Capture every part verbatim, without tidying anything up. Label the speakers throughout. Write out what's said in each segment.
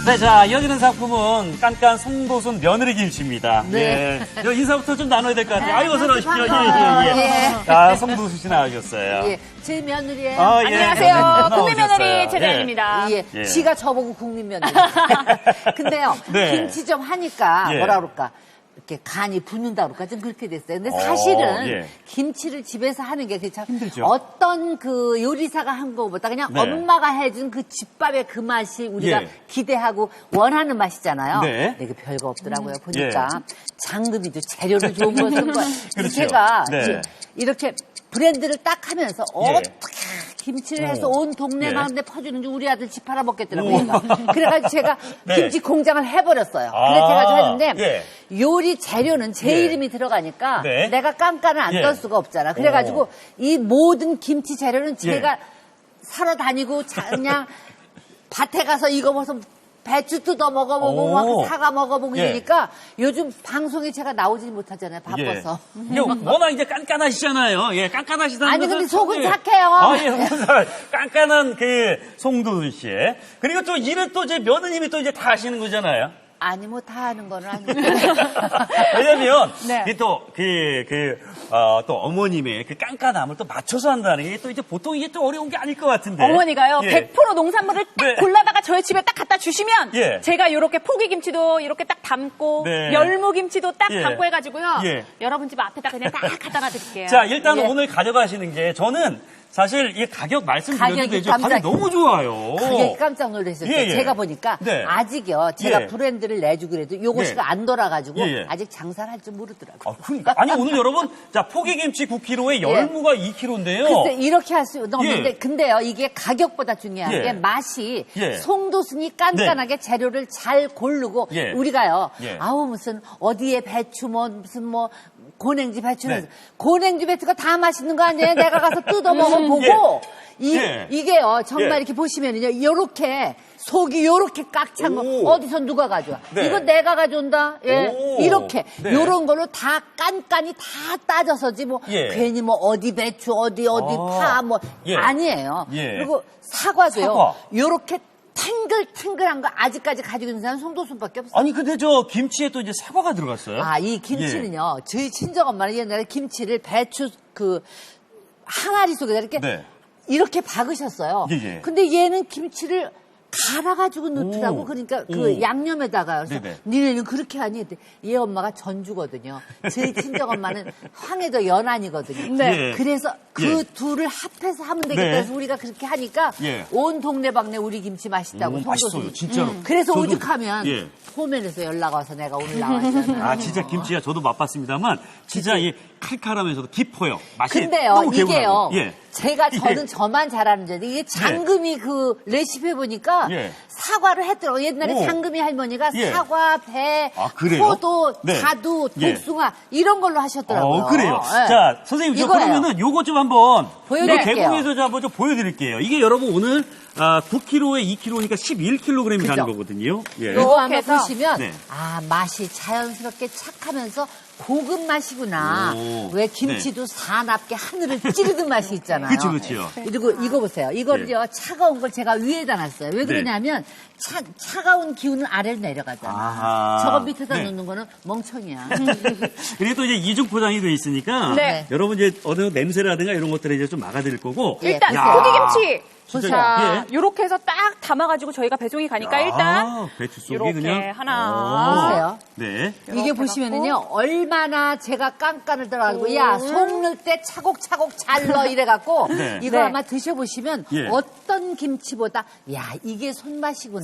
Speaker 1: 네, 자, 이어지는 상품은 깐깐 송도순 며느리 김치입니다.
Speaker 2: 네.
Speaker 1: 예. 요 인사부터 좀 나눠야 될 것 같아요. 아이고, 어서 오십시오. 예,
Speaker 2: 반가워요.
Speaker 1: 예, 예.
Speaker 2: 예.
Speaker 1: 아, 송도순 씨 나와주셨어요.
Speaker 2: 예, 제 며느리예요.
Speaker 1: 아, 예.
Speaker 3: 안녕하세요.
Speaker 1: 네,
Speaker 3: 국민 며느리
Speaker 1: 나오셨어요.
Speaker 3: 최자연입니다.
Speaker 2: 예,
Speaker 1: 예.
Speaker 2: 지가 저보고 국민 며느리. 근데요,
Speaker 1: 네.
Speaker 2: 김치 좀 하니까
Speaker 1: 예.
Speaker 2: 뭐라 그럴까. 이렇게 간이 붙는다 그럴까 좀 그렇게 됐어요. 근데 사실은
Speaker 1: 어, 예.
Speaker 2: 김치를 집에서 하는 게 참
Speaker 1: 힘들죠.
Speaker 2: 어떤 그 요리사가 한 거보다 그냥
Speaker 1: 네.
Speaker 2: 엄마가 해준 그 집밥의 그 맛이 우리가
Speaker 1: 예.
Speaker 2: 기대하고 원하는 맛이잖아요.
Speaker 1: 네.
Speaker 2: 근데 이게 별거 없더라고요. 보니까 장금이도 재료를 좋은 걸 쓴 거예요.
Speaker 1: 그렇죠.
Speaker 2: 제가
Speaker 1: 네.
Speaker 2: 지- 이렇게 브랜드를 딱 하면서
Speaker 1: 예.
Speaker 2: 어떻게 김치를 해서
Speaker 1: 오.
Speaker 2: 온 동네
Speaker 1: 예.
Speaker 2: 가운데 퍼주는지 우리 아들 집 팔아 먹겠더라고요. 그러니까. 그래가지고 제가
Speaker 1: 네.
Speaker 2: 김치 공장을 해버렸어요.
Speaker 1: 아,
Speaker 2: 그래가지고 했는데
Speaker 1: 예.
Speaker 2: 요리 재료는 제
Speaker 1: 예.
Speaker 2: 이름이 들어가니까
Speaker 1: 네.
Speaker 2: 내가 깐깐을 안
Speaker 1: 예.
Speaker 2: 뜰 수가 없잖아. 그래가지고
Speaker 1: 오.
Speaker 2: 이 모든 김치 재료는 제가
Speaker 1: 예.
Speaker 2: 사러 다니고 자- 그냥 밭에 가서 이거 무슨 배추 뜯어 먹어보고
Speaker 1: 오.
Speaker 2: 막 사과 먹어보고
Speaker 1: 예.
Speaker 2: 이러니까 요즘 방송에 제가 나오지 못하잖아요. 바빠서.
Speaker 1: 예. 워낙 이제 깐깐하시잖아요. 예, 깐깐하시다는
Speaker 2: 아니,
Speaker 1: 것은
Speaker 2: 근데 속은
Speaker 1: 예.
Speaker 2: 착해요.
Speaker 1: 아, 예, 속은 착 깐깐한 그 송도순 씨. 그리고 또 일을 또 이제 며느님이 또 이제 다 하시는 거잖아요.
Speaker 2: 아니 뭐 다 하는 거는 아니고.
Speaker 1: 왜냐면
Speaker 3: 네.
Speaker 1: 이게 또 그 그 어, 또 어머님의 그 깐깐함을 또 맞춰서 한다는 게 또 이제 보통 이게 또 어려운 게 아닐 것 같은데.
Speaker 3: 어머니가요,
Speaker 1: 예.
Speaker 3: 백 퍼센트 농산물을 딱
Speaker 1: 네.
Speaker 3: 골라다가 저희 집에 딱 갖다 주시면
Speaker 1: 예.
Speaker 3: 제가 이렇게 포기김치도 이렇게 딱 담고
Speaker 1: 네.
Speaker 3: 열무김치도 딱
Speaker 1: 예.
Speaker 3: 담고 해가지고요.
Speaker 1: 예.
Speaker 3: 여러분 집 앞에다 그냥 딱 갖다 놔드릴게요.
Speaker 1: 자, 일단
Speaker 2: 예.
Speaker 1: 오늘 가져가시는 게 저는 사실 이 가격 말씀드려도
Speaker 2: 가격이
Speaker 1: 되죠. 가격
Speaker 2: 깜짝-
Speaker 1: 너무 좋아요.
Speaker 2: 그게 깜짝 놀랐어요.
Speaker 1: 예, 예.
Speaker 2: 제가 보니까
Speaker 1: 네.
Speaker 2: 아직요. 제가
Speaker 1: 예.
Speaker 2: 브랜드를 내주고 그래도 요것이
Speaker 1: 네.
Speaker 2: 안 돌아가지고
Speaker 1: 예, 예.
Speaker 2: 아직 장사를 할 줄 모르더라고요.
Speaker 1: 아, 그러니까. 아니, 오늘 여러분, 자, 포기김치 구 킬로그램에 열무가 이 킬로그램인데요.
Speaker 2: 글쎄 이렇게 할 수 없는데
Speaker 1: 예.
Speaker 2: 근데요 이게 가격보다 중요한
Speaker 1: 예.
Speaker 2: 게 맛이
Speaker 1: 예.
Speaker 2: 송도순이 깐깐하게 재료를 잘 고르고
Speaker 1: 예.
Speaker 2: 우리가요
Speaker 1: 예.
Speaker 2: 아우 무슨 어디에 배추 뭐 무슨 뭐 고냉지 배추는
Speaker 1: 네.
Speaker 2: 고냉지 배추가 다 맛있는 거 아니에요? 내가 가서 뜯어 먹어보고 이,
Speaker 1: 예.
Speaker 2: 이게요 정말
Speaker 1: 예.
Speaker 2: 이렇게 보시면은요 요렇게 속이 요렇게 꽉 찬 거
Speaker 1: 오.
Speaker 2: 어디서 누가 가져와?
Speaker 1: 네.
Speaker 2: 이거 내가 가져온다. 예.
Speaker 1: 오.
Speaker 2: 이렇게
Speaker 1: 네.
Speaker 2: 요런 걸로 다 깐깐이 다 따져서지 뭐
Speaker 1: 예.
Speaker 2: 괜히 뭐 어디 배추 어디 어디
Speaker 1: 아.
Speaker 2: 파 뭐
Speaker 1: 예.
Speaker 2: 아니에요.
Speaker 1: 예.
Speaker 2: 그리고 사과도요.
Speaker 1: 사과.
Speaker 2: 요렇게 탱글탱글한 거 아직까지 가지고 있는 사람은 송도순밖에 없어요.
Speaker 1: 아니, 근데 저 김치에 또 이제 사과가 들어갔어요.
Speaker 2: 아, 이 김치는요. 저희 친정엄마는 옛날에 김치를 배추 그 항아리 속에다 이렇게
Speaker 1: 네.
Speaker 2: 이렇게 박으셨어요.
Speaker 1: 예, 예.
Speaker 2: 근데 얘는 김치를 갈아가지고 넣더라고.
Speaker 1: 오.
Speaker 2: 그러니까 그
Speaker 1: 오.
Speaker 2: 양념에다가. 그래서
Speaker 1: 네네.
Speaker 2: 니네는 그렇게 하니? 근데 얘 엄마가 전주거든요. 저희 친정엄마는 황해도 연안이거든요.
Speaker 3: 네.
Speaker 1: 예.
Speaker 2: 그래서 그
Speaker 1: 예.
Speaker 2: 둘을 합해서 하면 되겠다
Speaker 1: 네.
Speaker 2: 해서 우리가 그렇게 하니까
Speaker 1: 예.
Speaker 2: 온 동네방네 우리 김치 맛있다고.
Speaker 1: 오,
Speaker 2: 송도순이.
Speaker 1: 맛있어요, 진짜로.
Speaker 2: 그래서
Speaker 1: 저도-
Speaker 2: 오죽하면
Speaker 1: 예.
Speaker 2: 포면에서 연락 와서 내가 오늘 나왔잖아요.
Speaker 1: 아, 진짜 김치가 저도 맛봤습니다만, 진짜 이 칼칼하면서도 깊어요. 맛이
Speaker 2: 근데요,
Speaker 1: 너무
Speaker 2: 이게요.
Speaker 1: 개운하고. 예.
Speaker 2: 제가 저는
Speaker 1: 예.
Speaker 2: 저만 잘하는 줄 알았는데 이게 장금이 그 레시피 보니까
Speaker 1: 예.
Speaker 2: 사과를 했더라고요. 옛날에
Speaker 1: 오.
Speaker 2: 장금이 할머니가
Speaker 1: 예.
Speaker 2: 사과, 배,
Speaker 1: 아, 그래요?
Speaker 2: 포도,
Speaker 1: 네.
Speaker 2: 자두,
Speaker 1: 예.
Speaker 2: 복숭아 이런 걸로 하셨더라고요.
Speaker 1: 어, 그래요.
Speaker 2: 예.
Speaker 1: 자, 선생님, 저
Speaker 2: 이거예요.
Speaker 1: 그러면은 요거 좀 한번
Speaker 2: 보여드릴게요.
Speaker 1: 개봉해서 좀 한번 좀 보여드릴게요. 이게 여러분 오늘 아, 구 킬로그램에 이 킬로그램이니까 십일 킬로그램이
Speaker 2: 그죠?
Speaker 1: 가는 거거든요. 예.
Speaker 2: 이거 한번
Speaker 3: 해서.
Speaker 2: 보시면
Speaker 1: 네.
Speaker 2: 아 맛이 자연스럽게 착하면서 고급 맛이구나.
Speaker 1: 오.
Speaker 2: 왜 김치도 사납게 하늘을 찌르는 맛이 있잖아요.
Speaker 1: 그쵸, 그쵸.
Speaker 2: 그리고 이거 보세요. 이걸요 차가운 걸 제가 위에다 놨어요. 왜
Speaker 1: 네.
Speaker 2: 그러냐면 차, 차가운 기운은 아래로 내려가잖아.
Speaker 1: 아하.
Speaker 2: 저거 밑에다
Speaker 1: 네.
Speaker 2: 놓는 거는 멍청이야.
Speaker 1: 그리고 또 이제 이중 포장이 돼 있으니까
Speaker 3: 네.
Speaker 1: 여러분 이제 어느 냄새라든가 이런 것들을 이제 좀 막아드릴 거고.
Speaker 2: 예,
Speaker 3: 일단
Speaker 1: 야.
Speaker 3: 포기김치.
Speaker 1: 진짜,
Speaker 3: 자,
Speaker 1: 예.
Speaker 3: 요렇게 해서 딱 담아가지고 저희가 배송이 가니까
Speaker 1: 야,
Speaker 3: 일단
Speaker 1: 배추 속에
Speaker 3: 요렇게
Speaker 1: 그냥
Speaker 3: 하나.
Speaker 2: 보세요.
Speaker 1: 네.
Speaker 2: 이게
Speaker 3: 이렇게
Speaker 2: 보시면은요, 얼마나 제가 깐깐을 들어가지고,
Speaker 3: 오.
Speaker 2: 야, 속 넣을 때 차곡차곡 잘 넣어 이래갖고,
Speaker 1: 네.
Speaker 2: 이거
Speaker 3: 네.
Speaker 2: 아마 드셔보시면
Speaker 1: 예.
Speaker 2: 어떤 김치보다, 야, 이게 손맛이구나.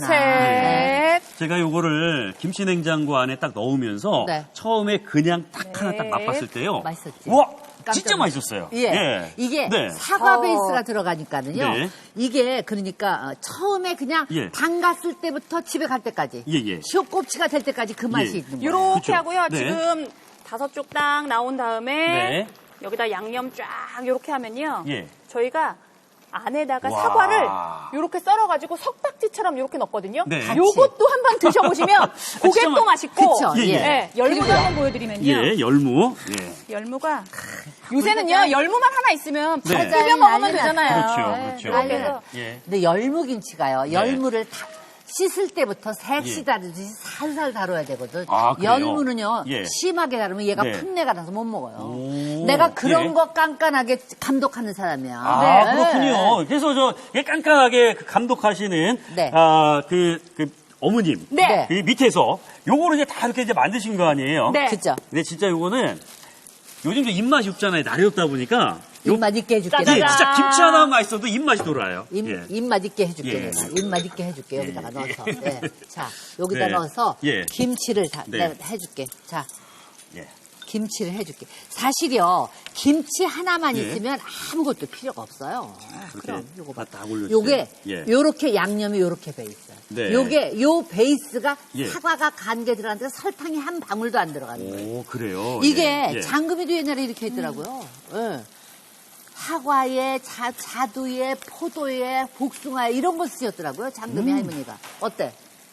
Speaker 3: 셋.
Speaker 1: 제가 요거를 김치 냉장고 안에 딱 넣으면서
Speaker 2: 네.
Speaker 1: 처음에 그냥 딱 하나 딱
Speaker 3: 네.
Speaker 1: 맛봤을 때요.
Speaker 2: 맛있었지?
Speaker 1: 와,
Speaker 2: 깜짝
Speaker 1: 진짜
Speaker 2: 놀랐-
Speaker 1: 맛있었어요.
Speaker 2: 예. 이게
Speaker 1: 네.
Speaker 2: 사과
Speaker 3: 어.
Speaker 2: 베이스가 들어가니까는요.
Speaker 1: 네.
Speaker 2: 이게 그러니까 어, 처음에 그냥
Speaker 1: 예.
Speaker 2: 담갔을 때부터 집에 갈 때까지.
Speaker 1: 예, 예.
Speaker 2: 시옷꼽치가 될 때까지 그 맛이
Speaker 1: 예.
Speaker 2: 있는 거예요.
Speaker 3: 요렇게
Speaker 1: 그쵸?
Speaker 3: 하고요.
Speaker 1: 네.
Speaker 3: 지금 다섯 쪽 딱 나온 다음에
Speaker 1: 네.
Speaker 3: 여기다 양념 쫙 요렇게 하면요.
Speaker 1: 예.
Speaker 3: 저희가 안에다가
Speaker 1: 와.
Speaker 3: 사과를 요렇게 썰어가지고 석박지처럼 요렇게 넣거든요.
Speaker 1: 네.
Speaker 3: 요것도 한번 드셔보시면 그게
Speaker 1: 진짜
Speaker 3: 또 맛있고.
Speaker 2: 그쵸,
Speaker 1: 예, 예.
Speaker 3: 네, 열무도
Speaker 2: 그리고요.
Speaker 3: 한번 보여드리면요.
Speaker 1: 예, 열무. 예.
Speaker 3: 열무가 요새는요 열무만 하나 있으면
Speaker 1: 네.
Speaker 3: 바로 비벼 먹으면
Speaker 2: 난리
Speaker 3: 되잖아요.
Speaker 1: 그렇죠,
Speaker 2: 네,
Speaker 1: 그렇죠.
Speaker 2: 난리
Speaker 3: 그래서
Speaker 2: 나.
Speaker 1: 예.
Speaker 2: 근데 열무김치가요. 열무를 다 씻을 때부터 색시 다루듯이 살살 다뤄야 되거든.
Speaker 1: 아, 그래요?
Speaker 2: 열무는요,
Speaker 1: 예.
Speaker 2: 심하게 다루면 얘가
Speaker 1: 네.
Speaker 2: 풋내가 나서 못 먹어요.
Speaker 1: 오,
Speaker 2: 내가 그런
Speaker 1: 예.
Speaker 2: 거 깐깐하게 감독하는 사람이야.
Speaker 1: 아,
Speaker 2: 네.
Speaker 1: 그렇군요. 그래서 저 이게 깐깐하게 그 감독하시는
Speaker 2: 네.
Speaker 1: 아, 그, 그 어머님.
Speaker 3: 네.
Speaker 1: 그 밑에서 요거를 이제 다 이렇게 이제 만드신 거 아니에요?
Speaker 3: 네.
Speaker 2: 그죠?
Speaker 1: 근데 진짜 요거는 요즘 좀 입맛이 없잖아요. 날이 덥다 보니까. 요-
Speaker 2: 입맛 있게 해줄게.
Speaker 1: 예,
Speaker 3: 짜자잔.
Speaker 1: 진짜 김치 하나만 맛있어도 입맛이 돌아요.
Speaker 2: 입,
Speaker 1: 예.
Speaker 2: 입맛 있게 해줄게,
Speaker 1: 예.
Speaker 2: 내가. 입맛 있게 해줄게, 여기다가
Speaker 1: 예.
Speaker 2: 넣어서. 네. 자, 여기다
Speaker 1: 네.
Speaker 2: 넣어서
Speaker 1: 예.
Speaker 2: 김치를 다,
Speaker 1: 네.
Speaker 2: 내가 해줄게. 자,
Speaker 1: 예.
Speaker 2: 김치를 해줄게. 사실요, 김치 하나만
Speaker 1: 예.
Speaker 2: 있으면 아무것도 필요가 없어요.
Speaker 1: 그렇게
Speaker 2: 그럼 요거 봐.
Speaker 1: 다 올려주세요.
Speaker 2: 요게
Speaker 1: 예.
Speaker 2: 요렇게 양념이 요렇게 배 있어요.
Speaker 1: 네.
Speaker 2: 요게 요 베이스가
Speaker 1: 예.
Speaker 2: 사과가 간 게 들어갔는데 설탕이 한 방울도 안 들어가는 거예요.
Speaker 1: 오, 그래요.
Speaker 2: 이게
Speaker 1: 예. 예.
Speaker 2: 장금이도 옛날에 이렇게 했더라고요. 예. 사과에 자, 자두에 포도에 복숭아에 이런 거 쓰셨더라고요. 장금이
Speaker 1: 음.
Speaker 2: 할머니가. 어때?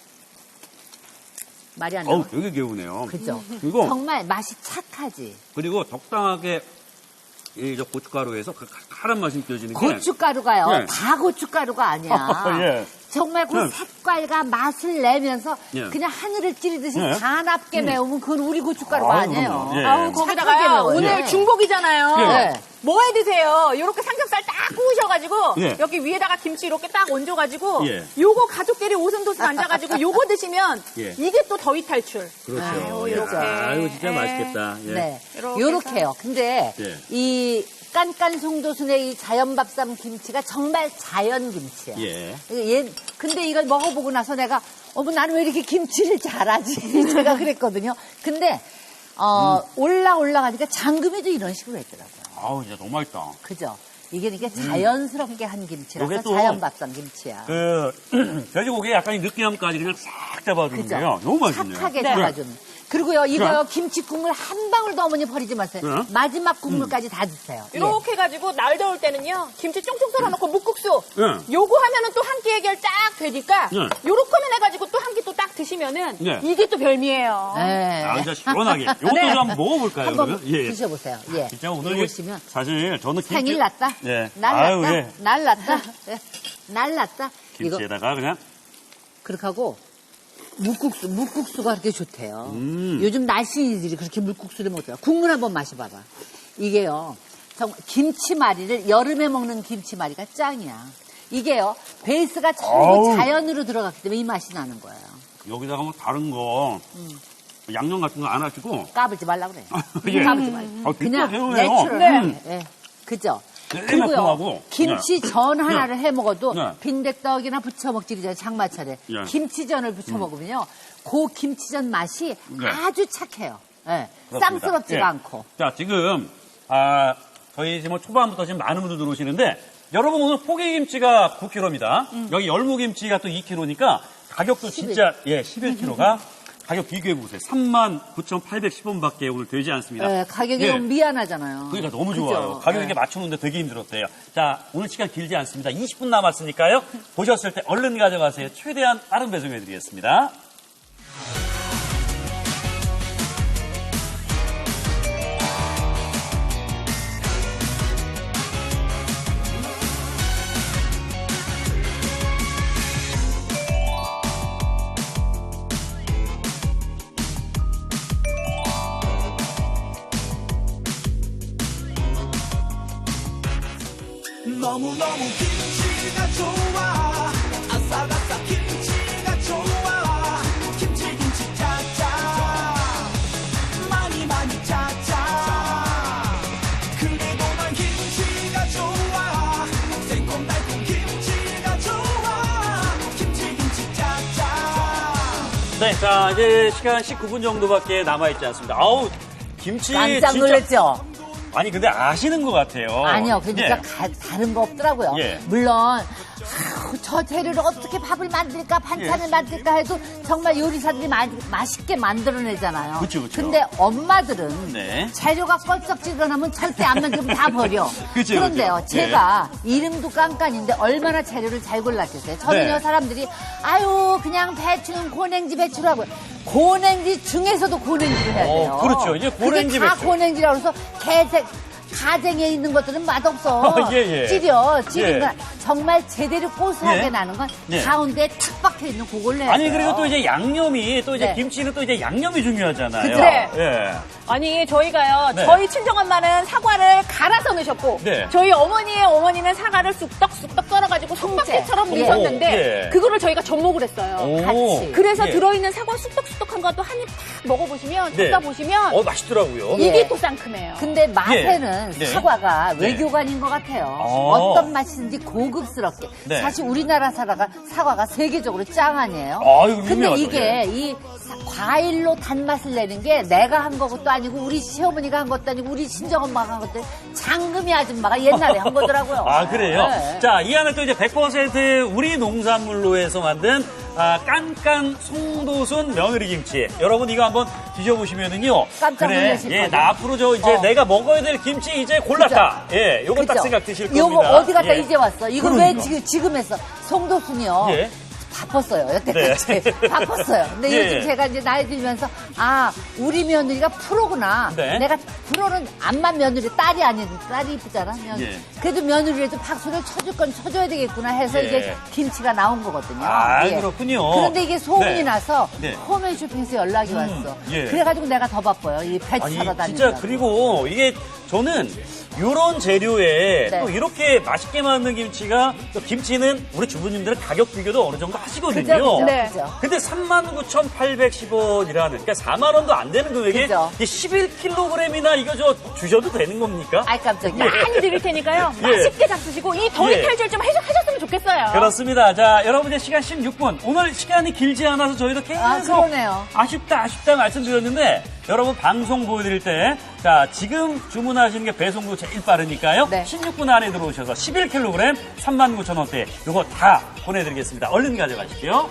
Speaker 2: 말이 안
Speaker 1: 어우,
Speaker 2: 나와.
Speaker 1: 되게 개우네요.
Speaker 2: 그죠?
Speaker 1: 그리고
Speaker 2: 정말 맛이 착하지.
Speaker 1: 그리고 적당하게 이 저 고춧가루에서 그 칼칼한 맛이 느껴지는 게
Speaker 2: 고춧가루가요.
Speaker 1: 예.
Speaker 2: 다 고춧가루가 아니야.
Speaker 1: 예.
Speaker 2: 정말 그
Speaker 1: 예.
Speaker 2: 색깔과 맛을 내면서
Speaker 1: 예.
Speaker 2: 그냥 하늘을 찌르듯이
Speaker 1: 예.
Speaker 2: 사납게
Speaker 1: 음.
Speaker 2: 매우면 그건 우리 고춧가루가
Speaker 1: 아유,
Speaker 2: 아니에요.
Speaker 1: 그럼요. 예.
Speaker 3: 아우,
Speaker 2: 착하게
Speaker 3: 거기다가요.
Speaker 2: 매워요.
Speaker 3: 오늘
Speaker 2: 예.
Speaker 3: 중복이잖아요.
Speaker 2: 예.
Speaker 3: 뭐 해 드세요? 이렇게 삼겹살 딱 구우셔가지고
Speaker 1: 예.
Speaker 3: 여기 위에다가 김치 이렇게 딱 얹어가지고
Speaker 1: 예.
Speaker 3: 요거 가족끼리 오순도순 앉아가지고 요거 드시면
Speaker 1: 예.
Speaker 3: 이게 또 더위 탈출.
Speaker 1: 그렇죠.
Speaker 3: 아유,
Speaker 1: 예.
Speaker 3: 이렇게.
Speaker 1: 아유, 진짜
Speaker 3: 예.
Speaker 1: 맛있겠다. 예.
Speaker 2: 네.
Speaker 3: 이렇게
Speaker 2: 요렇게요. 근데
Speaker 1: 예.
Speaker 2: 이 깐깐 송도순의 이 자연밥쌈 김치가 정말 자연 김치야.
Speaker 1: 예.
Speaker 2: 얘, 근데 이걸 먹어보고 나서 내가 어머 나는 왜 이렇게 김치를 잘하지? 제가 그랬거든요. 근데 어, 올라 올라가니까 장금이도 이런 식으로 했더라고요.
Speaker 1: 아우, 진짜 너무 맛있다.
Speaker 2: 그죠? 이게 이렇게 자연스럽게 한 김치라서
Speaker 1: 요게 또
Speaker 2: 자연밥쌈 김치야.
Speaker 1: 그 돼지고기에 약간 이 느끼함까지 그냥 싹 잡아주는데요. 너무 맛있네요.
Speaker 2: 착하게
Speaker 3: 네.
Speaker 2: 잡아주는. 그리고요, 이거요,
Speaker 1: 그럼?
Speaker 2: 김치 국물 한 방울도 어머니 버리지 마세요.
Speaker 1: 그럼?
Speaker 2: 마지막 국물까지 다 드세요. 예.
Speaker 3: 이렇게 해가지고 날 더울 때는요 김치 쫑쫑 썰어놓고 묵국수
Speaker 1: 예.
Speaker 3: 요거 하면은 또 한 끼 해결 딱 되니까
Speaker 1: 예.
Speaker 3: 요렇게만 해가지고 또 한 끼 또 딱 드시면은
Speaker 1: 예.
Speaker 3: 이게 또 별미예요.
Speaker 2: 네.
Speaker 1: 아, 진짜 시원하게. 이것도
Speaker 2: 네.
Speaker 1: 좀 한번 먹어볼까요,
Speaker 2: 한번
Speaker 1: 그러면? 예.
Speaker 2: 드셔보세요. 예.
Speaker 1: 진짜 오늘
Speaker 2: 보시면
Speaker 1: 사실 저는 김치...
Speaker 2: 생일 났다.
Speaker 1: 예.
Speaker 2: 날
Speaker 1: 아유,
Speaker 2: 났다.
Speaker 1: 예.
Speaker 2: 날 났다. 예. 날 났다. 이거
Speaker 1: 김치에다가 그냥
Speaker 2: 그렇게 하고 묵국수, 묵국수가 그렇게 좋대요.
Speaker 1: 음.
Speaker 2: 요즘 날씬이들이 그렇게 물국수를 먹더라. 국물 한번 마셔봐봐. 이게요, 정말 김치말이를 여름에 먹는 김치말이가 짱이야. 이게요, 베이스가 전부
Speaker 1: 아우.
Speaker 2: 자연으로 들어갔기 때문에 이 맛이 나는 거예요.
Speaker 1: 여기다가 뭐 다른 거 양념 같은 거 안 하시고
Speaker 2: 까불지 말라 그래.
Speaker 1: 예.
Speaker 2: 까불지 말라.
Speaker 1: 아,
Speaker 2: 그냥
Speaker 1: 개운해요.
Speaker 2: 내추럴하게.
Speaker 1: 음.
Speaker 2: 예. 그죠?
Speaker 1: 네,
Speaker 2: 그리고요,
Speaker 1: 매콤하고.
Speaker 2: 김치 전 하나를 해 먹어도
Speaker 1: 네.
Speaker 2: 빈대떡이나 부쳐 먹지잖아요, 장마철에.
Speaker 1: 예.
Speaker 2: 김치전을 부쳐 먹으면요, 그 김치전 맛이
Speaker 1: 네.
Speaker 2: 아주 착해요. 예.
Speaker 1: 그렇습니다.
Speaker 2: 쌍스럽지가
Speaker 1: 예.
Speaker 2: 않고.
Speaker 1: 자, 지금, 아, 저희 지금 초반부터 지금 많은 분들 들어오시는데, 여러분 오늘 포기김치가 구 킬로그램입니다. 여기 열무김치가 또 이 킬로그램이니까 가격도 진짜, 예, 십일 킬로그램가 가격 비교해보세요. 삼만 구천팔백십 원밖에 오늘 되지 않습니다.
Speaker 2: 예, 가격이
Speaker 1: 예.
Speaker 2: 너무 미안하잖아요.
Speaker 1: 그러니까 너무
Speaker 2: 그죠?
Speaker 1: 좋아요. 가격
Speaker 2: 예.
Speaker 1: 이렇게 맞추는데 되게 힘들었대요. 자, 오늘 시간 길지 않습니다. 이십 분 남았으니까요. 보셨을 때 얼른 가져가세요. 최대한 빠른 배송해드리겠습니다.
Speaker 4: 너무너무 김치가 좋아 아삭아삭 김치가 좋아 김치 김치 짜짜 많이 많이 짜짜 그래도 난 김치가 좋아 새콤달콤 김치가 좋아 김치 김치 짜짜
Speaker 1: 네, 자, 이제 시간 십구 분 정도밖에 남아있지 않습니다. 아우, 김치.
Speaker 2: 깜짝
Speaker 1: 진짜-
Speaker 2: 놀랐죠?
Speaker 1: 아니, 근데 아시는 것 같아요.
Speaker 2: 아니요, 그러니까
Speaker 1: 예.
Speaker 2: 가- 다른 거 없더라고요.
Speaker 1: 예.
Speaker 2: 물론 아우, 저 재료를 어떻게 밥을 만들까, 반찬을
Speaker 1: 예.
Speaker 2: 만들까 해도 정말 요리사들이 마, 맛있게 만들어내잖아요.
Speaker 1: 그쵸, 그쵸.
Speaker 2: 근데 엄마들은
Speaker 1: 네.
Speaker 2: 재료가 껄쩍지근하면 절대 안 만들면 다 버려.
Speaker 1: 그쵸,
Speaker 2: 그런데요,
Speaker 1: 그쵸.
Speaker 2: 제가 이름도 깐깐인데 얼마나 재료를 잘 골랐겠어요. 저는요,
Speaker 1: 네.
Speaker 2: 사람들이 아유 그냥 배추는 고냉지 배추로 하고 고냉지 중에서도 고냉지를 해야 돼요.
Speaker 1: 어, 그렇죠. 이제 고냉지
Speaker 2: 그게 다
Speaker 1: 배추.
Speaker 2: 고냉지라고 해서 개색 가쟁이에 있는 것들은 맛없어.
Speaker 1: 어, 예, 예.
Speaker 2: 찌려, 찌른
Speaker 1: 예.
Speaker 2: 건 정말 제대로 고소하게
Speaker 1: 예.
Speaker 2: 나는 건
Speaker 1: 예.
Speaker 2: 가운데에 탁 박혀 있는 그걸 내야
Speaker 1: 아니
Speaker 2: 돼요.
Speaker 1: 그리고 또 이제 양념이 또 이제
Speaker 2: 네.
Speaker 1: 김치는 또 이제 양념이 중요하잖아요.
Speaker 2: 그죠?
Speaker 3: 네.
Speaker 1: 예.
Speaker 3: 아니 저희가요
Speaker 1: 네.
Speaker 3: 저희 친정엄마는 사과를 갈아서 넣으셨고
Speaker 1: 네.
Speaker 3: 저희 어머니의 어머니는 사과를 쑥떡쑥떡 썰어가지고 속박지처럼
Speaker 2: 예.
Speaker 3: 넣으셨는데
Speaker 1: 오, 예.
Speaker 3: 그거를 저희가 접목을 했어요.
Speaker 1: 오.
Speaker 2: 같이.
Speaker 3: 그래서
Speaker 1: 예.
Speaker 3: 들어있는 사과 쑥떡쑥떡한 것도 한 입 탁 먹어보시면
Speaker 1: 네.
Speaker 3: 듣다 보시면
Speaker 1: 어 맛있더라고요.
Speaker 2: 예.
Speaker 3: 입이 또 상큼해요.
Speaker 2: 근데 맛에는
Speaker 1: 네.
Speaker 2: 사과가
Speaker 1: 네.
Speaker 2: 외교관인 것 같아요.
Speaker 1: 어.
Speaker 2: 어떤 맛이든지 고급스럽게.
Speaker 1: 네.
Speaker 2: 사실 우리나라 사과가, 사과가 세계적으로 짱 아니에요?
Speaker 1: 아유,
Speaker 2: 근데
Speaker 1: 유명하죠.
Speaker 2: 이게
Speaker 1: 예.
Speaker 2: 이 사- 과일로 단맛을 내는 게 내가 한 것도 아니고 우리 시어머니가 한 것도 아니고 우리 친정엄마가 한 것도 아니고 장금이 아줌마가 옛날에 한 거더라고요.
Speaker 1: 아, 그래요?
Speaker 2: 네.
Speaker 1: 자, 이 안에 또 이제 백 퍼센트 우리 농산물로 해서 만든 아, 깐깐 송도순 며느리 김치. 여러분 이거 한번 드셔보시면은요.
Speaker 2: 깜짝
Speaker 1: 그래,
Speaker 2: 놀라실
Speaker 1: 예,
Speaker 2: 거예요.
Speaker 1: 나 앞으로 저 이제
Speaker 2: 어.
Speaker 1: 내가 먹어야 될 김치 이제 골랐다. 예, 요거 딱
Speaker 2: 그죠?
Speaker 1: 생각 드실 겁니다.
Speaker 2: 요거 어디 갔다
Speaker 1: 예.
Speaker 2: 이제 왔어. 이거
Speaker 1: 그러니까.
Speaker 2: 왜 지금, 지금 했어? 송도순이요.
Speaker 1: 예.
Speaker 2: 바빴어요. 여태까지.
Speaker 1: 네.
Speaker 2: 바빴어요. 근데
Speaker 1: 예.
Speaker 2: 요즘 제가 이제 나이 들면서, 아, 우리 며느리가 프로구나.
Speaker 1: 네.
Speaker 2: 내가 프로는 암만 며느리, 딸이 아닌, 딸이 이쁘잖아. 며느리.
Speaker 1: 예.
Speaker 2: 그래도 며느리라도 박수를 쳐줄 건 쳐줘야 되겠구나 해서
Speaker 1: 예.
Speaker 2: 이제 김치가 나온 거거든요.
Speaker 1: 아,
Speaker 2: 예.
Speaker 1: 그렇군요.
Speaker 2: 그런데 이게 소문이
Speaker 1: 네.
Speaker 2: 나서
Speaker 1: 네.
Speaker 2: 홈앤 쇼핑에서 연락이 왔어.
Speaker 1: 예.
Speaker 2: 그래가지고 내가 더 바빠요. 이 배추
Speaker 1: 아니,
Speaker 2: 사러 다니는
Speaker 1: 진짜 그리고 이게 저는 요런 재료에
Speaker 2: 네.
Speaker 1: 또 이렇게 맛있게 만든 김치가 또 김치는 우리 주부님들은 가격 비교도 어느 정도 하시거든요.
Speaker 2: 그죠, 그죠,
Speaker 3: 네.
Speaker 2: 그죠.
Speaker 1: 근데 삼만 구천팔백십 원이라는 그러니까 사만 원도 안 되는 금액에
Speaker 2: 그죠.
Speaker 1: 이게 십일 킬로그램이나 이거 저 주셔도 되는 겁니까?
Speaker 2: 아이, 깜짝이야.
Speaker 3: 많이 드릴 테니까요.
Speaker 1: 예.
Speaker 3: 맛있게 잡수시고 이 더위
Speaker 1: 예.
Speaker 3: 탈출 좀 하셨, 하셨으면 좋겠어요.
Speaker 1: 그렇습니다. 자, 여러분 이제 시간 십육 분. 오늘 시간이 길지 않아서 저희도 계속
Speaker 2: 아, 그러네요.
Speaker 1: 아쉽다, 아쉽다 말씀드렸는데 여러분 방송 보여드릴 때 자, 지금 주문하시는 게 배송도 제일 빠르니까요.
Speaker 2: 네.
Speaker 1: 십육 분 안에 들어오셔서 십일 킬로그램 삼만 구천 원대 요거 다 보내드리겠습니다. 얼른 가져가십시오.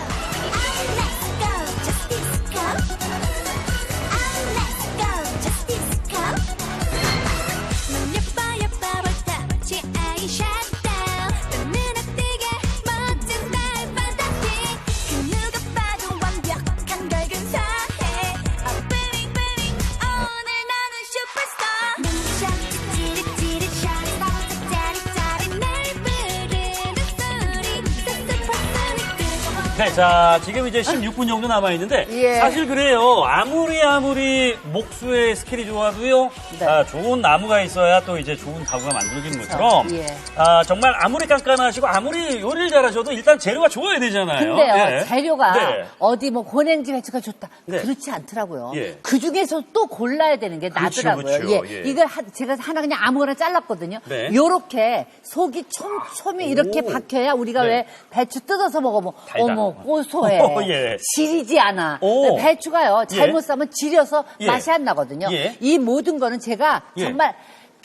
Speaker 1: 네, 자, 지금 이제 십육 분 정도 남아있는데,
Speaker 2: 예.
Speaker 1: 사실 그래요. 아무리 아무리 목수의 스킬이 좋아도요,
Speaker 2: 네.
Speaker 1: 아, 좋은 나무가 있어야 또 이제 좋은 가구가 만들어지는 것처럼,
Speaker 2: 예.
Speaker 1: 아, 정말 아무리 깐깐하시고 아무리 요리를 잘하셔도 일단 재료가 좋아야 되잖아요.
Speaker 2: 근데요,
Speaker 1: 예.
Speaker 2: 재료가
Speaker 1: 네.
Speaker 2: 어디 뭐 고냉지 배추가 좋다.
Speaker 1: 네.
Speaker 2: 그렇지 않더라고요.
Speaker 1: 예.
Speaker 2: 그 중에서 또 골라야 되는 게
Speaker 1: 그렇죠,
Speaker 2: 나더라고요.
Speaker 1: 그렇죠.
Speaker 2: 예.
Speaker 1: 예.
Speaker 2: 이걸 하- 제가 하나 그냥 아무거나 잘랐거든요.
Speaker 1: 네.
Speaker 2: 요렇게 속이 촘촘히 이렇게
Speaker 1: 오.
Speaker 2: 박혀야 우리가
Speaker 1: 네.
Speaker 2: 왜 배추 뜯어서 먹으면
Speaker 1: 달다.
Speaker 2: 어머 고소해.
Speaker 1: 오, 예.
Speaker 2: 지리지 않아.
Speaker 1: 오.
Speaker 2: 배추가요. 잘못
Speaker 1: 예.
Speaker 2: 싸면 지려서
Speaker 1: 예.
Speaker 2: 맛이 안 나거든요.
Speaker 1: 예.
Speaker 2: 이 모든 거는 제가
Speaker 1: 예.
Speaker 2: 정말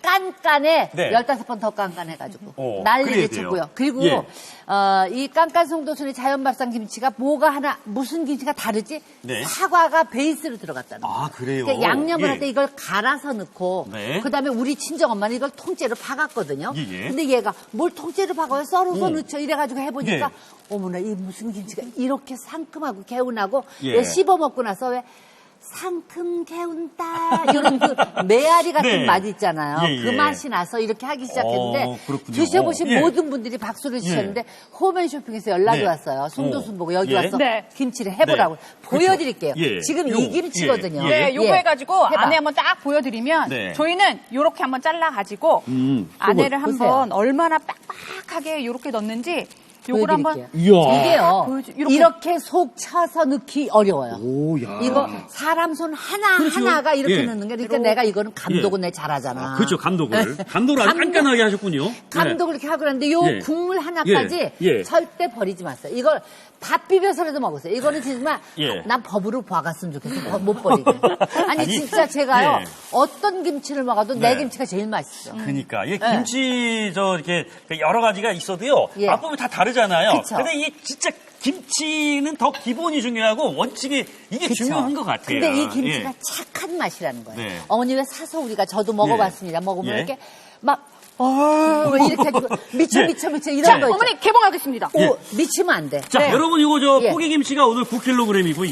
Speaker 2: 깐깐해
Speaker 1: 네.
Speaker 2: 열다섯 번 더 깐깐해가지고
Speaker 1: 오,
Speaker 2: 난리를
Speaker 1: 그래야 돼요.
Speaker 2: 치고요. 그리고
Speaker 1: 예.
Speaker 2: 어, 이 깐깐송도순의 자연밥상 김치가 뭐가 하나 무슨 김치가 다르지?
Speaker 1: 네.
Speaker 2: 사과가 베이스로 들어갔다는 거예요.
Speaker 1: 아, 그래요?
Speaker 2: 그러니까 양념을
Speaker 1: 예.
Speaker 2: 할 때 이걸 갈아서 넣고
Speaker 1: 네.
Speaker 2: 그다음에 우리 친정 엄마는 이걸 통째로 박았거든요.
Speaker 1: 예, 예.
Speaker 2: 근데 얘가 뭘 통째로 박아요? 썰어서
Speaker 1: 오.
Speaker 2: 넣죠. 이래가지고 해보니까
Speaker 1: 예.
Speaker 2: 어머나 이 무슨 김치가 이렇게 상큼하고 개운하고
Speaker 1: 예.
Speaker 2: 왜 씹어 먹고 나서 왜 상큼 개운다 이런 그 메아리 같은
Speaker 1: 네.
Speaker 2: 맛 있잖아요.
Speaker 1: 예, 예.
Speaker 2: 그 맛이 나서 이렇게 하기 시작했는데
Speaker 1: 어, 그렇군요.
Speaker 2: 드셔보신
Speaker 1: 예.
Speaker 2: 모든 분들이 박수를 치셨는데 홈앤쇼핑에서 연락이
Speaker 1: 네.
Speaker 2: 왔어요. 송도순 보고 여기
Speaker 1: 예.
Speaker 2: 와서
Speaker 3: 네.
Speaker 2: 김치를 해보라고
Speaker 1: 네.
Speaker 2: 보여드릴게요.
Speaker 1: 그렇죠. 예.
Speaker 2: 지금
Speaker 1: 요.
Speaker 2: 이 김치거든요.
Speaker 1: 예.
Speaker 3: 네, 요거
Speaker 2: 예.
Speaker 3: 해가지고
Speaker 2: 해봐.
Speaker 3: 안에 한번 딱 보여드리면
Speaker 1: 네.
Speaker 3: 저희는 요렇게 한번 잘라가지고
Speaker 1: 음,
Speaker 3: 안에를
Speaker 2: 보세요.
Speaker 3: 한번 얼마나 빡빡하게 요렇게 넣는지 요걸 한번
Speaker 2: 보여드릴게요.
Speaker 1: 이야.
Speaker 2: 이게요.
Speaker 3: 보여주- 이렇게.
Speaker 2: 이렇게 속 차서 넣기 어려워요.
Speaker 1: 오, 야.
Speaker 2: 이거 사람 손 하나
Speaker 1: 그렇죠.
Speaker 2: 하나가 이렇게
Speaker 1: 예.
Speaker 2: 넣는 게 그러니까 내가 이거는 감독은 내 잘하잖아.
Speaker 1: 아, 그렇죠. 감독을. 감독을 아주
Speaker 2: 감독-
Speaker 1: 깐깐하게 하셨군요.
Speaker 2: 감독을 이렇게 하고 그러는데 요
Speaker 1: 예.
Speaker 2: 국물 하나까지
Speaker 1: 예. 예.
Speaker 2: 절대 버리지 마세요. 이걸 밥 비벼서라도 먹으세요. 이거는 정말
Speaker 1: 예.
Speaker 2: 난 법으로 봐갔으면 좋겠어. 법 못 버리게. 아니,
Speaker 1: 아니,
Speaker 2: 진짜 제가요.
Speaker 1: 예.
Speaker 2: 어떤 김치를 먹어도
Speaker 1: 네.
Speaker 2: 내 김치가 제일 맛있어.
Speaker 1: 그러니까 이게
Speaker 2: 네.
Speaker 1: 김치 저 이렇게 여러 가지가 있어도요.
Speaker 2: 예.
Speaker 1: 맛보면 다 다르잖아요.
Speaker 2: 그쵸.
Speaker 1: 근데 이게 진짜 김치는 더 기본이 중요하고 원칙이 이게
Speaker 2: 그쵸?
Speaker 1: 중요한 것 같아요.
Speaker 2: 근데 이 김치가
Speaker 1: 예.
Speaker 2: 착한 맛이라는 거예요.
Speaker 1: 네.
Speaker 2: 어머니 왜 사서 우리가 저도 먹어봤습니다. 먹으면
Speaker 1: 예.
Speaker 2: 이렇게 막 어, 이렇게 해주고 미쳐
Speaker 1: 예.
Speaker 2: 미쳐 미쳐 이런
Speaker 3: 자,
Speaker 2: 거 있죠.
Speaker 3: 어머니 개봉하겠습니다.
Speaker 2: 오,
Speaker 1: 예.
Speaker 2: 미치면 안 돼.
Speaker 1: 자,
Speaker 3: 네.
Speaker 1: 여러분 이거 저
Speaker 2: 예.
Speaker 1: 포기김치가 오늘 구 킬로그램이고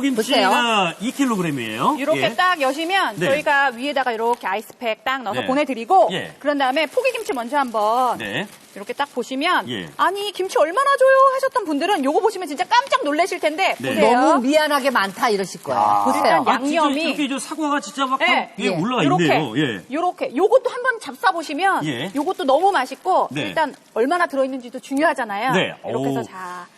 Speaker 1: 열무김치가 이 킬로그램이에요.
Speaker 3: 이렇게
Speaker 1: 예.
Speaker 3: 딱 여시면
Speaker 1: 네.
Speaker 3: 저희가 위에다가 이렇게 아이스팩 딱 넣어서
Speaker 1: 네.
Speaker 3: 보내드리고
Speaker 1: 예.
Speaker 3: 그런 다음에 포기김치 먼저 한번
Speaker 1: 네.
Speaker 3: 이렇게 딱 보시면
Speaker 1: 예.
Speaker 3: 아니 김치 얼마나 줘요 하셨던 분들은 요거 보시면 진짜 깜짝 놀라실 텐데
Speaker 1: 네.
Speaker 3: 보세요.
Speaker 2: 너무 미안하게 많다 이러실 거예요.
Speaker 1: 아.
Speaker 2: 보세요.
Speaker 3: 일단
Speaker 1: 아, 진짜
Speaker 3: 양념이-
Speaker 1: 이렇게 저 사과가 진짜 막
Speaker 3: 네.
Speaker 1: 위에
Speaker 2: 예.
Speaker 1: 올라가
Speaker 3: 요렇게,
Speaker 1: 있네요. 예.
Speaker 3: 요렇게 요것도 한번 잡사 보시면
Speaker 1: 예.
Speaker 3: 요것도 너무 맛있고
Speaker 1: 네.
Speaker 3: 일단 얼마나 들어있는지도 중요하잖아요.
Speaker 1: 네.
Speaker 3: 이렇게 해서
Speaker 1: 오.
Speaker 3: 자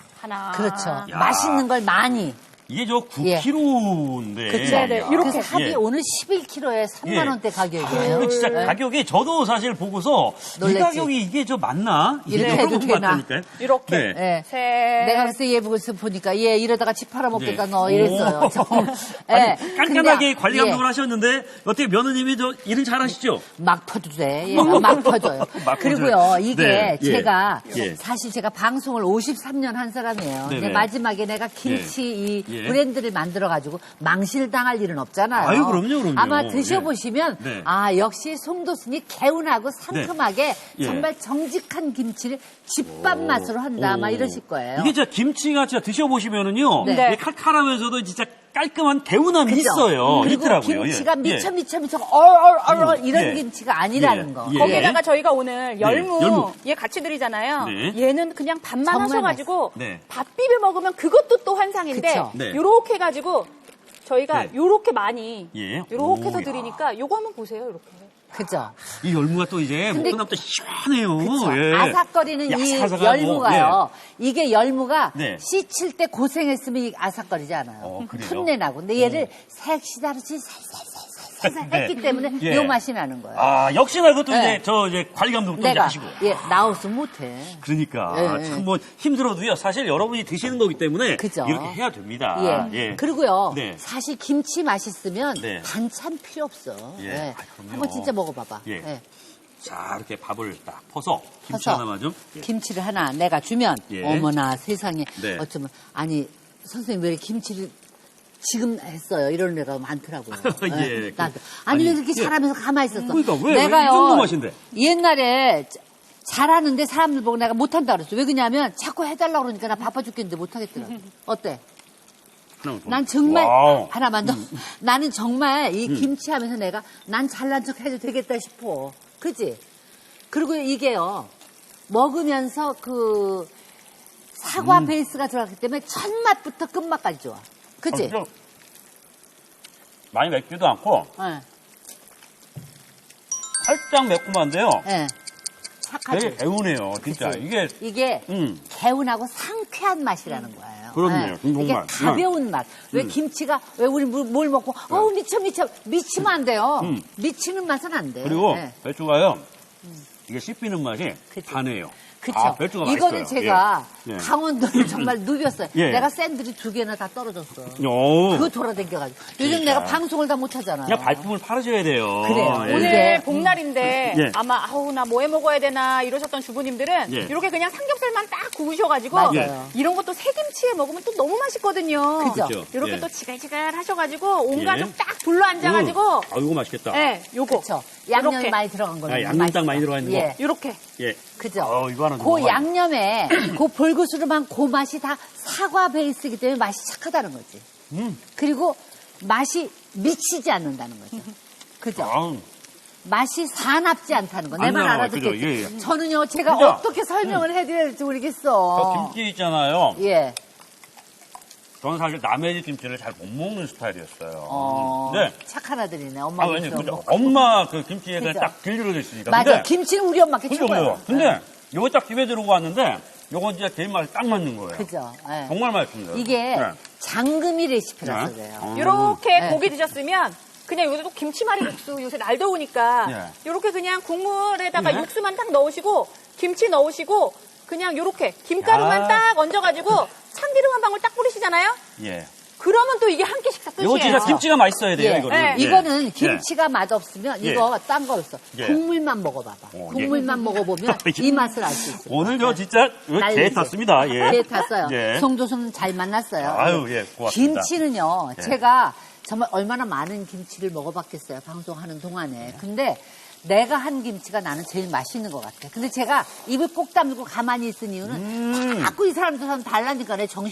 Speaker 3: 하나
Speaker 2: 그렇죠.
Speaker 1: 야.
Speaker 2: 맛있는 걸 많이.
Speaker 1: 이게 저
Speaker 2: 예.
Speaker 1: 구 킬로그램인데.
Speaker 2: 그렇죠.
Speaker 3: 네, 네. 이렇게.
Speaker 2: 그래서 합이
Speaker 1: 예.
Speaker 2: 오늘 십일 킬로그램에 삼만 원대
Speaker 1: 아,
Speaker 2: 가격이에요.
Speaker 1: 근데 진짜
Speaker 2: 네.
Speaker 1: 가격이 저도 사실 보고서 이
Speaker 2: 놀랬지.
Speaker 1: 가격이 이게 저 맞나?
Speaker 2: 이렇게
Speaker 1: 이게
Speaker 2: 해도
Speaker 1: 조금
Speaker 2: 되나?
Speaker 1: 맞다니까요.
Speaker 3: 이렇게
Speaker 1: 네.
Speaker 2: 예.
Speaker 3: 셋
Speaker 2: 내가 그래서 얘 보고서 보니까 얘 이러다가 집 팔아먹겠다
Speaker 1: 네.
Speaker 2: 너 이랬어요.
Speaker 1: 오.
Speaker 2: 저.
Speaker 1: 아니,
Speaker 2: 예.
Speaker 1: 깐깐하게
Speaker 2: 근데,
Speaker 1: 관리
Speaker 2: 예.
Speaker 1: 감독을 하셨는데 어떻게 며느님이 저 일은 잘하시죠?
Speaker 2: 막 퍼도 돼. 얘가 막 퍼져요.
Speaker 1: 막
Speaker 2: 그리고요,
Speaker 1: 퍼져요.
Speaker 2: 이게
Speaker 1: 네, 예.
Speaker 2: 제가
Speaker 1: 예.
Speaker 2: 사실 제가 방송을 오십삼 년 한 사람이에요.
Speaker 1: 네네.
Speaker 2: 근데 마지막에 내가 김치 이
Speaker 1: 예.
Speaker 2: 브랜드를 만들어가지고 망실당할 일은 없잖아요.
Speaker 1: 아유, 그럼요, 그럼요.
Speaker 2: 아마 드셔보시면
Speaker 1: 예. 네.
Speaker 2: 아 역시 송도순이 개운하고 상큼하게
Speaker 1: 예.
Speaker 2: 정말 정직한 김치를 집밥 맛으로 한다. 막
Speaker 1: 오.
Speaker 2: 이러실 거예요.
Speaker 1: 이게 진짜 김치가 진짜 드셔보시면은요.
Speaker 2: 네.
Speaker 1: 이게 칼칼하면서도 진짜 깔끔한 개운함이
Speaker 2: 그죠?
Speaker 1: 있어요.
Speaker 2: 그리고
Speaker 1: 있더라고요.
Speaker 2: 김치가
Speaker 1: 예.
Speaker 2: 미쳐
Speaker 1: 예.
Speaker 2: 미쳐 미쳐 얼얼얼
Speaker 1: 음,
Speaker 2: 이런
Speaker 1: 예.
Speaker 2: 김치가 아니라는
Speaker 1: 예.
Speaker 2: 거.
Speaker 1: 예.
Speaker 3: 거기다가 저희가 오늘 열무,
Speaker 1: 네, 열무.
Speaker 3: 얘 같이 드리잖아요.
Speaker 1: 네.
Speaker 3: 얘는 그냥 밥만
Speaker 2: 정말
Speaker 3: 하셔가지고
Speaker 1: 네.
Speaker 3: 밥 비벼 먹으면 그것도 또 환상인데
Speaker 2: 그쵸.
Speaker 1: 네.
Speaker 3: 요렇게 해가지고 저희가
Speaker 1: 네.
Speaker 3: 요렇게 많이
Speaker 1: 예.
Speaker 3: 요렇게 해서
Speaker 1: 오, 야.
Speaker 3: 드리니까 요거 한번 보세요. 이렇게.
Speaker 2: 그죠?
Speaker 1: 이 열무가 또 이제
Speaker 2: 근데-
Speaker 1: 먹고 나면 또 시원해요.
Speaker 2: 그쵸.
Speaker 1: 예.
Speaker 2: 아삭거리는 이
Speaker 1: 야삭아삭하고,
Speaker 2: 열무가요. 이게 열무가
Speaker 1: 네.
Speaker 2: 씻을 때 고생했으면 이 아삭거리지 않아요.
Speaker 1: 어, 그래요?
Speaker 2: 풋내 나고. 근데 얘를 색시다르지 살살살살살
Speaker 1: 네.
Speaker 2: 했기 때문에
Speaker 1: 예.
Speaker 2: 요 맛이 나는 거예요.
Speaker 1: 아, 역시나 그것도
Speaker 2: 네.
Speaker 1: 이제 저 이제 관리 감독도 이제
Speaker 2: 내가
Speaker 1: 하시고.
Speaker 2: 예 나왔으면 못해.
Speaker 1: 그러니까
Speaker 2: 예, 예.
Speaker 1: 참 뭐 힘들어도요. 사실 여러분이 드시는 거기 때문에
Speaker 2: 그죠.
Speaker 1: 이렇게 해야 됩니다.
Speaker 2: 예.
Speaker 1: 예.
Speaker 2: 그리고요.
Speaker 1: 네.
Speaker 2: 사실 김치 맛있으면
Speaker 1: 네.
Speaker 2: 반찬 필요 없어.
Speaker 1: 예. 아, 그럼요.
Speaker 2: 한번 진짜 먹어봐봐.
Speaker 1: 예.
Speaker 2: 예.
Speaker 1: 자, 이렇게 밥을 딱 퍼서 김치
Speaker 2: 퍼서
Speaker 1: 하나만 좀. 예.
Speaker 2: 김치를 하나 내가 주면
Speaker 1: 예.
Speaker 2: 어머나 세상에
Speaker 1: 네.
Speaker 2: 어쩌면 아니 선생님 왜 이렇게 김치를 지금 했어요 이런 애가 많더라고요.
Speaker 1: 예.
Speaker 2: 나도.
Speaker 1: 그-
Speaker 2: 아니, 왜
Speaker 1: 아니,
Speaker 2: 그렇게
Speaker 1: 예.
Speaker 2: 잘하면서 가만히 있었어.
Speaker 1: 그러니까 왜, 왜
Speaker 2: 내가요
Speaker 1: 이 정도 맛인데?
Speaker 2: 옛날에 자- 잘하는데 사람들 보고 내가 못한다 그랬어. 왜 그러냐면 자꾸 해달라고 그러니까 나 바빠 죽겠는데 못하겠더라. 어때?
Speaker 1: 하나만 더.
Speaker 2: 난 정말
Speaker 1: 와우. 음.
Speaker 2: 하나만 더. 나는 정말 이 김치 하면서 내가 난 잘난 척 해도 되겠다 싶어. 그지? 그리고 이게요 먹으면서 그 사과
Speaker 1: 음.
Speaker 2: 베이스가 들어갔기 때문에 첫 맛부터 끝맛까지 좋아. 그지?
Speaker 1: 아, 진짜 많이 맵지도 않고
Speaker 2: 예.
Speaker 1: 살짝 매콤한데요.
Speaker 2: 예. 착하지?
Speaker 1: 되게 개운해요. 진짜
Speaker 2: 그치?
Speaker 1: 이게
Speaker 2: 이게
Speaker 1: 음.
Speaker 2: 개운하고 상쾌한 맛이라는 거예요.
Speaker 1: 그럼요.
Speaker 2: 예. 이게
Speaker 1: 정말.
Speaker 2: 가벼운 맛. 왜
Speaker 1: 음.
Speaker 2: 김치가 왜 우리 물- 뭘 먹고 어우 미쳐 미쳐 미치면 안 돼요.
Speaker 1: 음.
Speaker 2: 미치는 맛은 안 돼.
Speaker 1: 그리고
Speaker 2: 예.
Speaker 1: 배추가요. 이게 씹히는 맛이
Speaker 2: 그치.
Speaker 1: 단해요.
Speaker 2: 그쵸.
Speaker 1: 아, 배추가
Speaker 2: 이거는
Speaker 1: 맛있어요.
Speaker 2: 제가
Speaker 1: 예. 예.
Speaker 2: 강원도를 정말 누볐어요.
Speaker 1: 예.
Speaker 2: 내가 샌들이 두 개나 다 떨어졌어.
Speaker 1: 오.
Speaker 2: 그거 돌아다녀가지고. 요즘
Speaker 1: 그러니까.
Speaker 2: 내가 방송을 다 못하잖아요.
Speaker 1: 그냥 발품을 팔으셔야 돼요.
Speaker 2: 그래요.
Speaker 1: 예.
Speaker 3: 오늘
Speaker 2: 예.
Speaker 3: 복날인데
Speaker 1: 예.
Speaker 3: 아마 아우 나 뭐 해 먹어야 되나 이러셨던 주부님들은
Speaker 1: 예.
Speaker 3: 이렇게 그냥 삼겹살만 딱 구우셔가지고
Speaker 2: 맞아요.
Speaker 3: 이런 것도 새김치에 먹으면 또 너무 맛있거든요.
Speaker 2: 그죠?
Speaker 1: 그죠.
Speaker 3: 이렇게
Speaker 1: 예.
Speaker 3: 또 지글지글 하셔가지고 온
Speaker 1: 예.
Speaker 3: 가족 딱 둘러 앉아가지고
Speaker 1: 음. 아, 이거 맛있겠다.
Speaker 3: 예, 요거
Speaker 2: 그쵸. 양념이
Speaker 3: 이렇게.
Speaker 2: 많이 들어간 거는
Speaker 1: 아, 양념 딱 많이 들어가 있는 거.
Speaker 2: 예.
Speaker 3: 이렇게
Speaker 1: 예.
Speaker 2: 그죠?
Speaker 1: 어, 이거 하나
Speaker 2: 그
Speaker 1: 먹어봐요.
Speaker 2: 양념에 그 볼그스름한 그 맛이 다 사과 베이스이기 때문에 맛이 착하다는 거지.
Speaker 1: 음.
Speaker 2: 그리고 맛이 미치지 않는다는 거죠. 그죠?
Speaker 1: 아우.
Speaker 2: 맛이 사납지 않다는 거. 내
Speaker 1: 안
Speaker 2: 말
Speaker 1: 나와요.
Speaker 2: 알아듣겠지?
Speaker 1: 그죠? 예, 예.
Speaker 2: 저는요, 제가
Speaker 1: 그죠?
Speaker 2: 어떻게 설명을 해드려야 될지
Speaker 1: 저
Speaker 2: 모르겠어.
Speaker 1: 김치 있잖아요.
Speaker 2: 예.
Speaker 1: 저는 사실 남의 집 김치를 잘 못 먹는 스타일이었어요.
Speaker 2: 어,
Speaker 1: 네.
Speaker 2: 착한 아들이네. 엄마
Speaker 1: 아, 왜냐, 그죠? 엄마 그 김치에 그냥
Speaker 2: 그죠?
Speaker 1: 딱 길들여져 있으니까.
Speaker 2: 맞아.
Speaker 1: 근데,
Speaker 2: 김치는 우리 엄마께
Speaker 1: 그죠,
Speaker 2: 최고예요.
Speaker 1: 그죠. 근데, 요거 딱 집에 들어오고 왔는데, 요건 진짜 개인 맛이 딱 맞는 거예요.
Speaker 2: 그죠. 예.
Speaker 1: 정말 맛있습니다.
Speaker 2: 이게
Speaker 1: 네.
Speaker 2: 장금이 레시피라서
Speaker 1: 네.
Speaker 2: 그래요.
Speaker 1: 어.
Speaker 3: 이렇게
Speaker 2: 네.
Speaker 3: 고기 드셨으면 그냥 여기도 김치말이 육수 요새 날 더우니까
Speaker 1: 예.
Speaker 3: 이렇게 그냥 국물에다가
Speaker 1: 네.
Speaker 3: 육수만 딱 넣으시고 김치 넣으시고 그냥 요렇게 김가루만
Speaker 1: 야.
Speaker 3: 딱 얹어가지고 참기름 한 방울 딱 뿌리시잖아요.
Speaker 1: 예.
Speaker 3: 그러면 또 이게 한 끼 식사 끝이에요.
Speaker 1: 이거 진짜 김치가 맛있어야 돼요,
Speaker 2: 예.
Speaker 1: 이거는.
Speaker 3: 네.
Speaker 1: 예.
Speaker 2: 이거는 김치가 맛없으면
Speaker 1: 예.
Speaker 2: 이거 딴 거 없어.
Speaker 1: 예.
Speaker 2: 국물만 먹어봐봐.
Speaker 1: 어, 예.
Speaker 2: 국물만 먹어보면 이 맛을 알 수 있어.
Speaker 1: 오늘 저 진짜 개
Speaker 2: 난리지.
Speaker 1: 탔습니다. 예.
Speaker 2: 개 탔어요.
Speaker 1: 예.
Speaker 2: 송도수는 잘 만났어요.
Speaker 1: 아유, 예, 고맙습니다.
Speaker 2: 김치는요,
Speaker 1: 예.
Speaker 2: 제가 정말 얼마나 많은 김치를 먹어봤겠어요. 방송하는 동안에. 근데 내가 한 김치가 나는 제일 맛있는 것 같아. 근데 제가 입을 꼭 다물고 가만히 있은 이유는
Speaker 1: 음.
Speaker 2: 자꾸 이 사람 저 사람 달라니까 내 정신